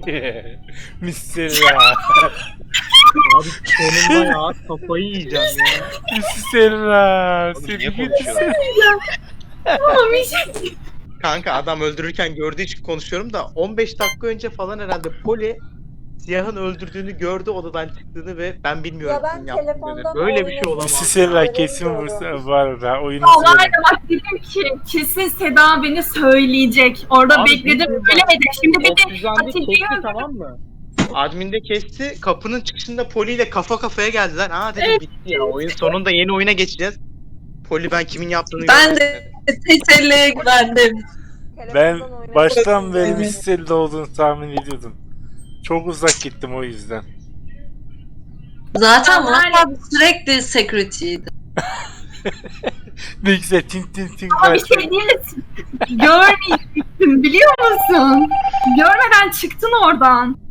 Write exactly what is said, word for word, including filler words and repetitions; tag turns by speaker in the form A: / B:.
A: Misilla.
B: Abi sonunda ya kafayı yiyeceğim ya.
A: Misilla.
C: Oğlum
A: Seni
C: niye
A: gidi
C: konuşuyorlar?
D: Ama bir şey.
C: Kanka adam öldürürken gördüğü için konuşuyorum da on beş dakika önce falan herhalde Poli siyahın öldürdüğünü gördü odadan çıktığını ve ben bilmiyorum
E: Ya ben
C: kimin yaptığını dedi.
E: telefondan
C: Böyle bir şey
E: oynadım.
C: olamaz.
A: Misilla
E: ya.
A: kesin bu bu arada oyunu
D: Vallahi
A: izledim.
D: de bak dedim ki kesin Seda beni söyleyecek. Orada
B: Abi,
D: bekledim
B: bir-
D: söylemedi. Şimdi bir de
B: Oksijendi
D: Atilla'yı
B: kesti tamam mı?
C: Adminde kesti, kapının çıkışında Poli ile kafa kafaya geldiler. Aa dedim bitti ya, oyun sonunda yeni oyuna geçeceğiz. Poli ben kimin yaptığını
F: Ben
C: görmedim
F: de
C: dedi.
F: Tesella'ya güvendim.
A: Ben
E: Telefondan oynadım.
A: baştan beri
F: Evet.
A: Misilla olduğunu tahmin ediyordum. Çok uzak gittim o yüzden.
F: Zaten
D: Ya var
F: Murat abi sürekli security'ydi.
A: Ne güzel tin tin tin.
D: ama bir şey değil mi? Görmeyecektin biliyor musun? Görmeden çıktın oradan.